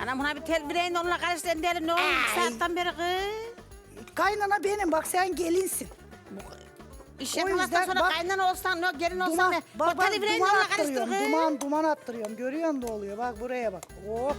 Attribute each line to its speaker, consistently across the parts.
Speaker 1: Anam buna bir tel bireyin onunla karıştırın diyelim ne olur 2 saatten beri kız.
Speaker 2: Kaynana benim bak sen gelinsin.
Speaker 1: İş
Speaker 2: O
Speaker 1: yapmaktan
Speaker 2: yüzden
Speaker 1: sonra
Speaker 2: bak-
Speaker 1: kaynana olsan, gelin olsan
Speaker 2: Duman,
Speaker 1: ne?
Speaker 2: bak
Speaker 1: O
Speaker 2: bak
Speaker 1: tel bireyin
Speaker 2: duman
Speaker 1: onunla karıştır
Speaker 2: attırıyorum.
Speaker 1: kız.
Speaker 2: Duman attırıyorum. Görüyorsun da oluyor. Bak buraya bak. Oh.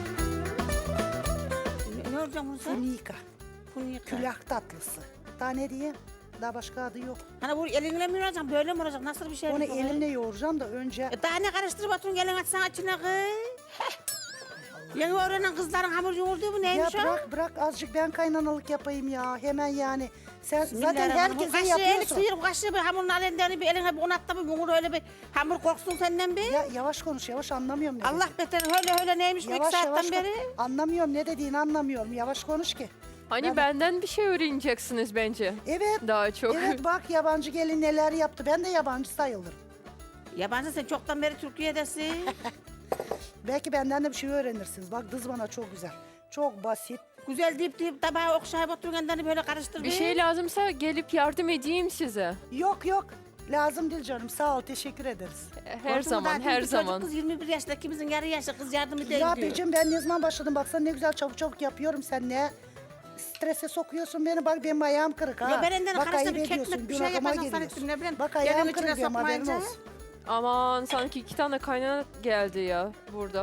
Speaker 1: Ne olacak bunu sen?
Speaker 2: Funika.
Speaker 1: Bunu yıka.
Speaker 2: Külah tatlısı. Daha ne diyeyim? Daha başka adı yok.
Speaker 1: Hani bu elinle mi olacak, böyle mi olacak? Nasıl bir şey?
Speaker 2: Onu
Speaker 1: bu?
Speaker 2: elimle yoğuracağım da önce...
Speaker 1: Daha ne karıştırıp atın gelin açsana içine kız. Yeni öğrenen kızların hamur yoğurduğu bu
Speaker 2: Ya
Speaker 1: neymiş o?
Speaker 2: bırak azıcık ben kaynanalık yapayım ya. Hemen yani. Sen zaten
Speaker 1: Bismillahirrahmanirrahim. Bu
Speaker 2: herkese
Speaker 1: kaşığı elik
Speaker 2: yapıyorsun.
Speaker 1: sıyır, bu kaşığı bir hamurun alenden bir eline bir un at da bir bunu öyle bir hamur koksun senden bir.
Speaker 2: Ya yavaş konuş yavaş anlamıyorum ne
Speaker 1: Allah
Speaker 2: dediğini.
Speaker 1: beter öyle neymiş bu 2 saatten beri?
Speaker 2: Anlamıyorum ne dediğini anlamıyorum. Yavaş konuş ki.
Speaker 3: Hani benden bir şey öğreneceksiniz bence.
Speaker 2: Evet.
Speaker 3: Daha çok.
Speaker 2: Evet bak yabancı gelin neler yaptı. Ben de yabancı sayılırım.
Speaker 1: Yabancı sen çoktan beri Türkiye'desin.
Speaker 2: Belki benden de bir şey öğrenirsiniz. Bak kız bana çok güzel. Çok basit.
Speaker 1: Güzel deyip tabağı okşayıp otururken böyle karıştır.
Speaker 3: Bir şey lazımsa gelip yardım edeyim size.
Speaker 2: Yok. Lazım değil canım. Sağ ol. Teşekkür ederiz.
Speaker 3: Her zaman, her zaman.
Speaker 1: Kız 21 yaşında, ikimizin yarı yaşı kız yardım edeyim
Speaker 2: Ya
Speaker 1: diyor.
Speaker 2: Becim ben ne zaman başladım? Baksana ne güzel çabuk yapıyorum. Sen ne strese sokuyorsun beni. Bak benim ayağım kırık ha.
Speaker 1: Ya ben elinden
Speaker 2: Bak
Speaker 1: karıştı
Speaker 2: ayıp
Speaker 1: bir
Speaker 2: ediyorsun.
Speaker 1: kekmek bir şey
Speaker 2: Günahıma
Speaker 1: yapacaksın
Speaker 2: giriyorsun.
Speaker 1: sanettim ne bileyim.
Speaker 2: Bak
Speaker 1: Gelin
Speaker 2: ayağım
Speaker 1: içine
Speaker 2: kırık benim haberin
Speaker 1: sokmayınca.
Speaker 2: olsun.
Speaker 3: Aman sanki 2 tane kaynana geldi ya burada.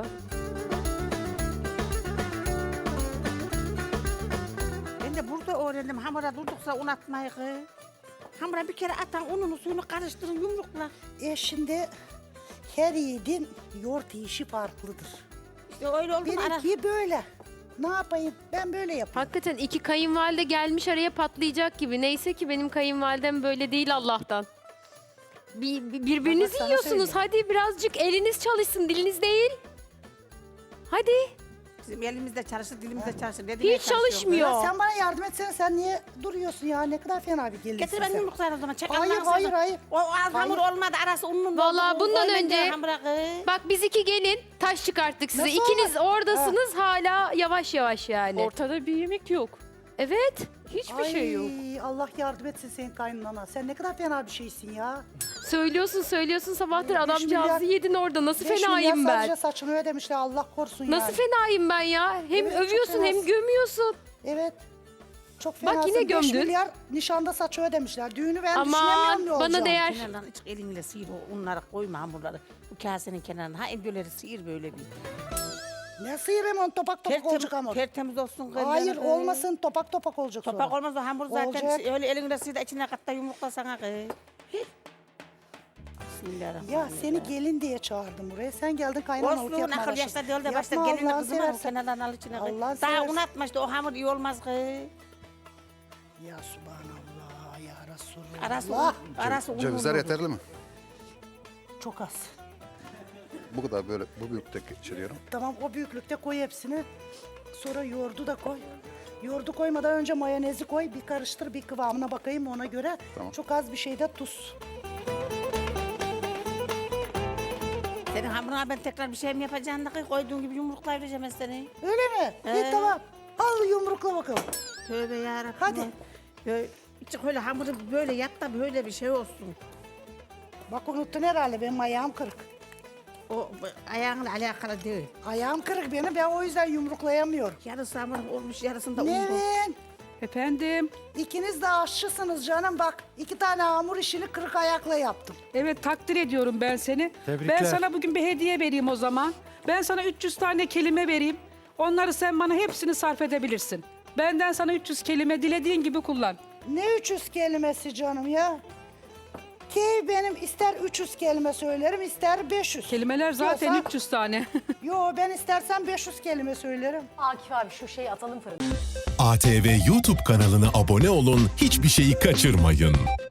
Speaker 1: Ben de burada öğrendim hamura durdukça un atmayı kız. Hamura bir kere atan ununu suyunu karıştırın yumrukla.
Speaker 2: Şimdi her yiğidin yoğurt yiyişi farklıdır.
Speaker 1: İşte öyle oldu mu ara.
Speaker 2: Benimki böyle. Ne yapayım? Ben böyle yapıyorum.
Speaker 4: Hakikaten iki kayınvalide gelmiş araya patlayacak gibi. Neyse ki benim kayınvalidem böyle değil Allah'tan. Birbirinizi
Speaker 2: Baba sana
Speaker 4: yiyorsunuz.
Speaker 2: söyleyeyim.
Speaker 4: Hadi birazcık eliniz çalışsın, diliniz değil. Hadi.
Speaker 1: Bizim elimizde çalışır, dilimizde çalışır.
Speaker 4: Hiç çalışmıyor.
Speaker 2: Ya sen bana yardım etsene. Sen niye duruyorsun ya? Ne kadar fena bir gelinsin
Speaker 1: Getir ben
Speaker 2: sen.
Speaker 1: yumruklar o zaman. Çek
Speaker 2: Hayır,
Speaker 1: Allah'ını
Speaker 2: hayır,
Speaker 1: seversen.
Speaker 2: hayır.
Speaker 1: O az hamur
Speaker 2: Hayır.
Speaker 1: olmadı arası unlu.
Speaker 4: Vallahi bundan
Speaker 1: Öyle
Speaker 4: önce-
Speaker 1: hamura kız.
Speaker 4: Bak biz iki gelin taş çıkarttık size.
Speaker 2: Nasıl
Speaker 4: İkiniz
Speaker 2: olmaz?
Speaker 4: oradasınız hala yavaş yavaş yani.
Speaker 3: Ortada bir yemek yok.
Speaker 4: Evet.
Speaker 3: Hiçbir şey yok.
Speaker 2: Allah yardım etsin senin kaynanana. Sen ne kadar fena bir şeysin ya.
Speaker 4: Söylüyorsun sabahtır
Speaker 2: 5
Speaker 4: adamcağızı
Speaker 2: milyar-
Speaker 4: yedin orada. Nasıl
Speaker 2: 5
Speaker 4: fenayım
Speaker 2: milyar
Speaker 4: ben?
Speaker 2: sadece saçını ödemişler Allah korusun
Speaker 4: Nasıl
Speaker 2: yani.
Speaker 4: fenayım ben ya? Hem
Speaker 2: Evet, çok
Speaker 4: övüyorsun hem
Speaker 2: fenasın.
Speaker 4: gömüyorsun.
Speaker 2: Evet. Çok
Speaker 4: Bak
Speaker 2: fenasın.
Speaker 4: yine
Speaker 2: 5
Speaker 4: gömdün.
Speaker 2: milyar nişanda saçı ödemişler. Düğünü ben
Speaker 4: Aman,
Speaker 2: düşünemiyorum ne
Speaker 4: bana
Speaker 2: olacağını.
Speaker 4: değer.
Speaker 1: Kenardan hiç elinle sıyır o unları koyma hamurları. Bu kasenin kenarına. Ha endoleri sıyır böyle bir.
Speaker 2: Ne sıyırayım onu topak topak olacak hamur.
Speaker 1: Tertemiz olsun.
Speaker 2: Hayır
Speaker 1: kız.
Speaker 2: olmasın topak olacak sonra.
Speaker 1: Topak olmaz o hamur zaten
Speaker 2: Olacak.
Speaker 1: öyle elinle sıyır da içine katta yumrukla sana kız. Bismillahirrahmanirrahim.
Speaker 2: Ya seni gelin diye çağırdım buraya. Sen geldin kaynanalık
Speaker 1: Olsun
Speaker 2: yapmaya
Speaker 1: akıl yaşta
Speaker 2: başladın.
Speaker 1: değil de başta
Speaker 2: Yapma
Speaker 1: gelinle
Speaker 2: Allah'ını
Speaker 1: kızıma o
Speaker 2: seversen.
Speaker 1: kenardan al içine kız.
Speaker 2: Allah'ını
Speaker 1: Daha
Speaker 2: seversen.
Speaker 1: un atma işte o hamur iyi olmaz kız.
Speaker 2: Ya Subhanallah ya Resulullah.
Speaker 1: Arası un.
Speaker 5: Cevizler yeterli mi?
Speaker 2: Çok az.
Speaker 5: Bu kadar böyle bu büyüklükte geçiriyorum.
Speaker 2: Tamam o büyüklükte koy hepsini. Sonra yoğurdu da koy. Yoğurdu koymadan önce mayonezi koy. Bir karıştır bir kıvamına bakayım ona göre.
Speaker 5: Tamam.
Speaker 2: Çok az bir şey de tuz.
Speaker 1: Senin hamuruna ben tekrar bir şey mi yapacağım da kız? Koyduğun gibi yumruklayacağım ben seni.
Speaker 2: Öyle mi? İyi tamam. Al yumrukla bakalım.
Speaker 1: Tövbe yarabbim.
Speaker 2: Hadi.
Speaker 1: Hiç öyle hamuru böyle yap da böyle bir şey olsun.
Speaker 2: Bak unuttun herhalde benim ayağım kırık.
Speaker 1: O ayağınla alakalı değil.
Speaker 2: Ayağım kırık benim ben o yüzden yumruklayamıyorum.
Speaker 1: Yarısı hamur olmuş yarısında un.
Speaker 2: Nevin
Speaker 6: Efendim,
Speaker 2: ikiniz de aşçısınız canım bak. 2 tane hamur işini kırık ayakla yaptım.
Speaker 6: evet takdir ediyorum ben seni.
Speaker 7: Tebrikler.
Speaker 6: Ben sana bugün bir hediye vereyim o zaman. Ben sana 300 tane kelime vereyim. Onları sen bana hepsini sarf edebilirsin. Benden sana 300 kelime dilediğin gibi kullan.
Speaker 2: Ne 300 kelimesi canım ya? Ki benim ister 300 kelime söylerim ister 500.
Speaker 6: Kelimeler zaten
Speaker 2: Diyorsa-
Speaker 6: 300 tane.
Speaker 2: Yo ben istersen 500 kelime söylerim.
Speaker 8: Akif abi şu şeyi atalım fırına.
Speaker 9: ATV YouTube kanalına abone olun, hiçbir şeyi kaçırmayın.